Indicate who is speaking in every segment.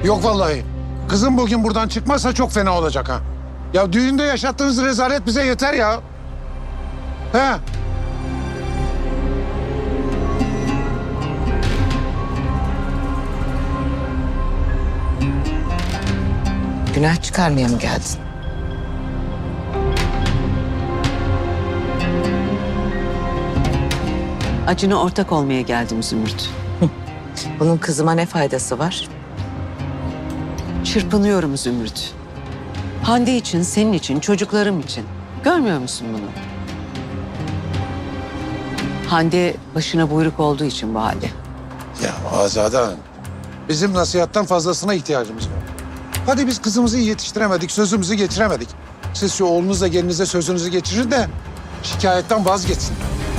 Speaker 1: Yok vallahi. Kızım bugün buradan çıkmazsa çok fena olacak ha. Ya düğünde yaşattığınız rezalet bize yeter ya. He?
Speaker 2: Günah çıkarmaya mı geldin?
Speaker 3: Acına ortak olmaya geldim Zümrüt.
Speaker 2: Bunun kızıma ne faydası var?
Speaker 3: Çırpınıyorum Zümrüt. Hande için, senin için, çocuklarım için. Görmüyor musun bunu? Hande başına buyruk olduğu için bu halde.
Speaker 1: Ya Azade Hanım, bizim nasihattan fazlasına ihtiyacımız var. Hadi biz kızımızı iyi yetiştiremedik, sözümüzü geçiremedik. Siz şu oğlunuzla gelinize sözünüzü geçirin de şikayetten vazgeçsin.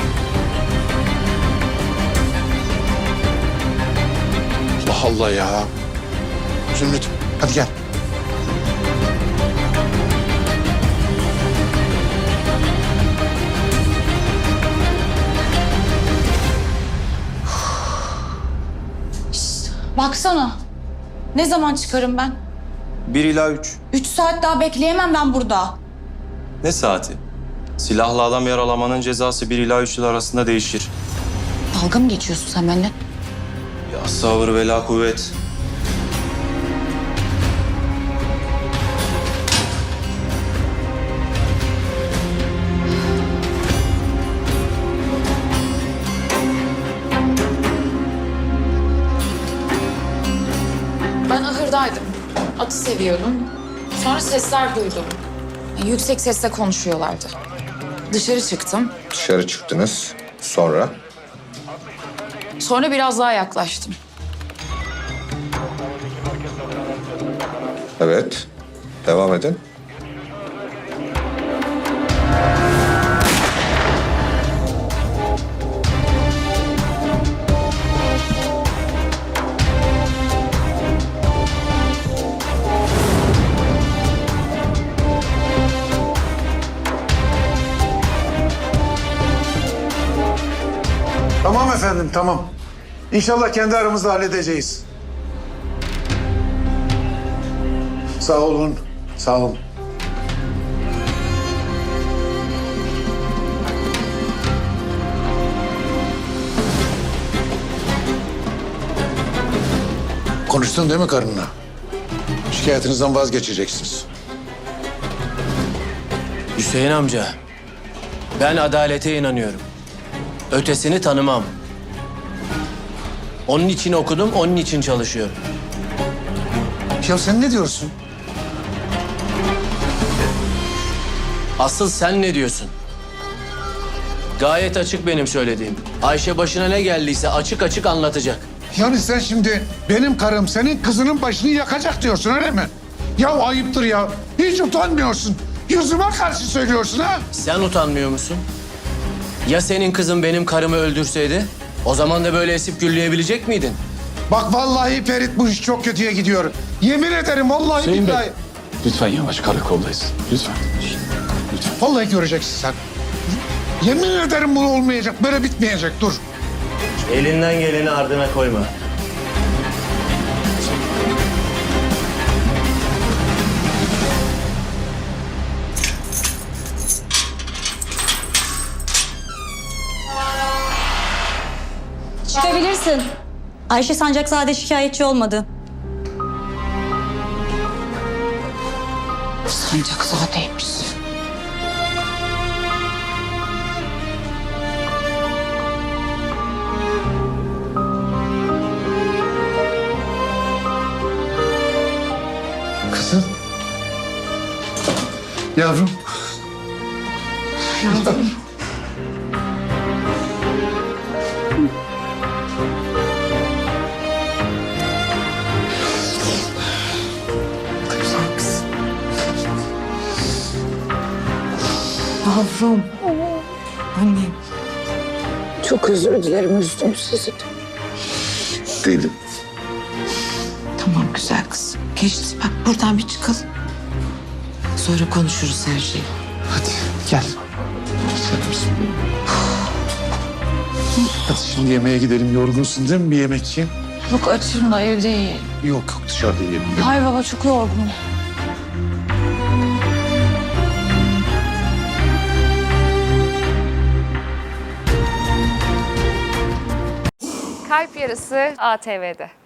Speaker 1: Allah Allah ya. Zümrüt, hadi gel.
Speaker 4: Baksana. Ne zaman çıkarım ben?
Speaker 5: 1 ila 3.
Speaker 4: 3 saat daha bekleyemem ben burada.
Speaker 5: Ne saati? Silahlı adam yaralamanın cezası 1 ila 3 yıl arasında değişir.
Speaker 4: Dalga mı geçiyorsun sen benimle?
Speaker 5: Ya sabır ve la kuvvet.
Speaker 4: Ben ahırdaydım. Atı seviyordum. Sonra sesler duydum. Yüksek sesle konuşuyorlardı. Dışarı çıktım.
Speaker 6: Dışarı çıktınız. Sonra?
Speaker 4: Sonra biraz daha yaklaştım.
Speaker 6: Evet. Devam edin.
Speaker 1: Tamam efendim, tamam. İnşallah kendi aramızda halledeceğiz. Sağ olun, sağ olun. Konuştun değil mi karınla? Şikayetinizden vazgeçeceksiniz.
Speaker 7: Hüseyin amca, ben adalete inanıyorum. Ötesini tanımam. Onun için okudum, onun için çalışıyorum.
Speaker 1: Ya sen ne diyorsun?
Speaker 7: Asıl sen ne diyorsun? Gayet açık benim söylediğim. Ayşe başına ne geldiyse açık açık anlatacak.
Speaker 1: Yani sen şimdi benim karım senin kızının başını yakacak diyorsun öyle mi? Ya ayıptır ya. Hiç utanmıyorsun. Yüzüme karşı söylüyorsun ha?
Speaker 7: Sen utanmıyor musun? Ya senin kızın benim karımı öldürseydi? O zaman da böyle esip gülleyebilecek miydin?
Speaker 1: Bak vallahi Ferit bu iş çok kötüye gidiyor. Yemin ederim vallahi
Speaker 8: Hüseyin Bey.
Speaker 1: billahi.
Speaker 8: Lütfen yavaş, karakoldayız. Lütfen.
Speaker 1: Vallahi göreceksin sen. Yemin ederim bu olmayacak. Böyle bitmeyecek. Dur.
Speaker 7: Elinden geleni ardına koyma.
Speaker 9: Çıkabilirsin. Ayşe Sancakzade şikayetçi olmadı.
Speaker 4: Sancakzade'ymiş.
Speaker 1: Kızım. Yavrum. Yavrum.
Speaker 2: Yavrum. Annem. Çok özür dilerim, üzdüm sizi.
Speaker 1: Değilim.
Speaker 2: Tamam güzel kızım. Geçti bak, buradan bir çıkalım. Sonra konuşuruz her şeyi.
Speaker 1: Hadi gel. Hadi şimdi yemeğe gidelim. Yorgunsun değil mi? Bir yemek yiyin.
Speaker 4: Yok açım da evde yiyelim.
Speaker 1: Yok yok dışarıda yiyelim.
Speaker 4: Hayır baba çok yorgunum.
Speaker 10: Kalp Yarısı ATV'de.